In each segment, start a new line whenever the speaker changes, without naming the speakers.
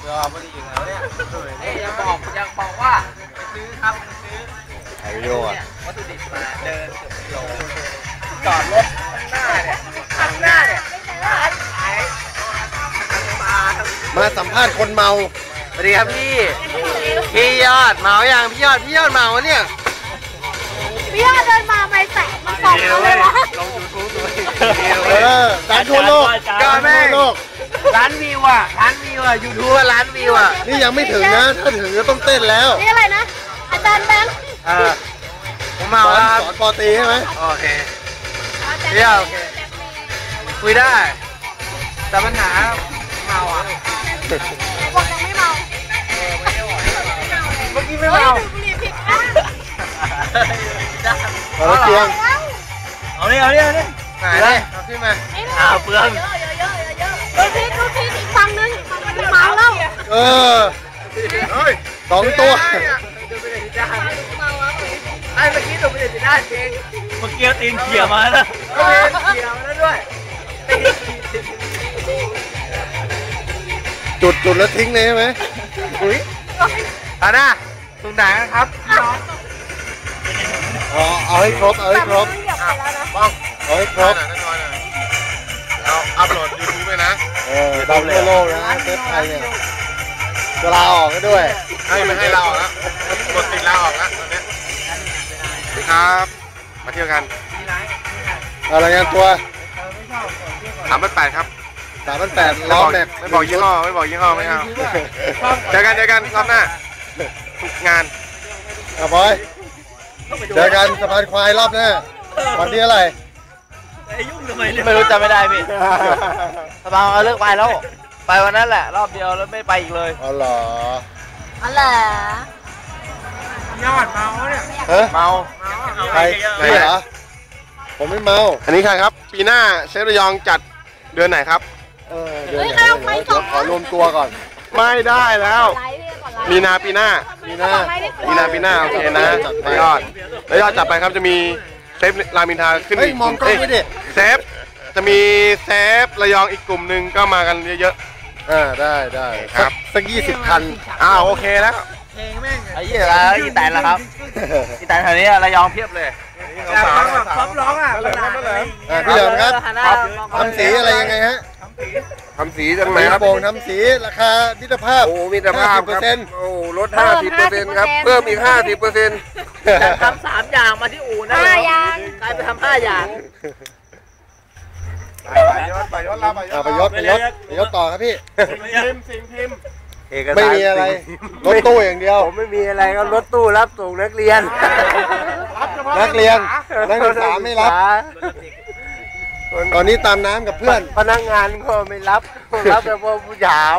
ไม่ได้อยู่แล้วเนี่ยยังบอกว่าไปซื้อครับไปซื้อ
ถ่ายวิดีโออ่ะ
วัตถุดิบมาเดินเกือบกิโลจอดรถข้างหน้าเนี่ยร้านขาย
มาสัมภาษณ์คนเมา
สวัสดีครับพี่ยอดเมาอย่างพี่ยอดเมาวะเนี่ย
พี่ยอดเดินมาไม่แตะมันตอบเขาเลยวะ
ลงยูทูบด้วย
ดังทั่วโลก
ก็แม่ร้านวิวอ่ะยูทูบร้านวิวอ่ะ
นี่ยังไม่ถึงนะถ้าถึงก็ต้องเต้นแล้ว
นี่อะไรนะอาจารย์แบงค์
ผมเมาแล้ว
สอนปอตีใช่ไหม
โอเคเดี๋ยวโอเคคุยได้แต่ปัญหาเมาอ่ะ
บอกยังไม่เมา
เมื่อกี้ไม่เมา
เอาเตียง
เอาเนี่ยไหนเลยเอาขึ้นมาเปลือง
ดูพีอีกฝั่งนึงมันเมาแล้ว
สองตัว
ไอ้เมื่อกี้ตัวเป็นได้จริงเมื่อกี้ตีนเขี่ยมาแล้วเขี่ยมาแล้วด้วย
จุดแล้วทิ้งเลยใช่ไหม
อุ้ยนะตรงไหนครับ
เอาให้ครบเอาให้ครบเอาให้ครบ
เอาอัพโหลด YouTube ไปนะ
ดาวโลกนะเซฟไทยเนี่ยจะลาออกก็ด้วย
ไม่ให้ลาออกแล้วกดติดลาออกแล้วตอนนี้ครับมาเที่ยวกัน
อะไรงานตัว
3,800ครับ
3,800ล้อแม็ก
ไม่บอกยี่ห้อไม่เอาเจอกันรอบหน้าทุกงาน
บอยเจอกันสะพานควายรอบหน้าวันที่อะไร
ไม่รู้จำไม่ได้พี่สบายเลิกไปแล้วไปวันนั้นแหละรอบเดียวแล้วไม่ไปอีกเลย
อ๋อเหรอ
อะไร
ยอดเมาเนี่ยเมา
ใครเหรอผมไม่เมา
อันนี้ใครครับปีหน้าเชฟระยองจัดเดือนไหนครับ
เดือนไหนขอรวมตัวก่อน
ไม่ได้แล้วมีนาปีหน้าโอเคนะยอดจัดไปครับจะมีเซฟรามินทาขึ้นอีก
มองกล้องไม่ดิ
เซฟจะมีเซฟระยองอีกกลุ่มหนึ่งก็มากันเยอะ
ได้ครับสัก20 คัน
โอเคแล้ว
ไอ้ยี่อะไรอีแตนละครับอีแตนแถวนี้ระยองเพียบเลยแบบพร้อมร้องอ่ะ
พี่เหลิมครับทำสีอะไรยังไงฮะ
ทำสีจังไหนครับ
โป่งทำสีราคามิตรภาพ
มิตรภาพลด 50% ครับเพิ่มอีก 50%
แต่ทำ3 อย่างมาที่อู่นะ
5 อย่าง
กลายไปทำ5 อย่าง
ไปยศต่อครับพี่
พิมพ์
ไม่มีอะไรรถตู้อย่างเดียว
ผมไม่มีอะไรก็รถตู้รับส่งนักเรียน
นักศึกษาไม่รับตอนนี้ตามน้ำกับเพื่อน
พนักงานก็ไม่รับแต่พวกผู้สาว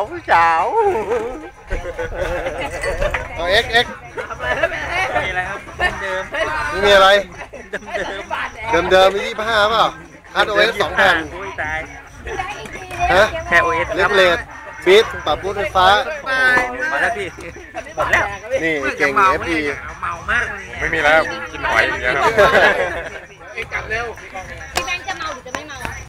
เอาเอ็ก
มีอะไรครับเดิม
ไม่มีอะไรเดิมมี25เปล่าคัดOS 2 แผ่น
แค่OS
เล็กเลดฟีดปรับบูทไฟฟ้า
มาแล้วพี่หมดแล้ว
นี่เก่ง FD
เมามาก
ไม่มีแล้วกินหอยอย่างเงี้ยครับ
กลับเร็ว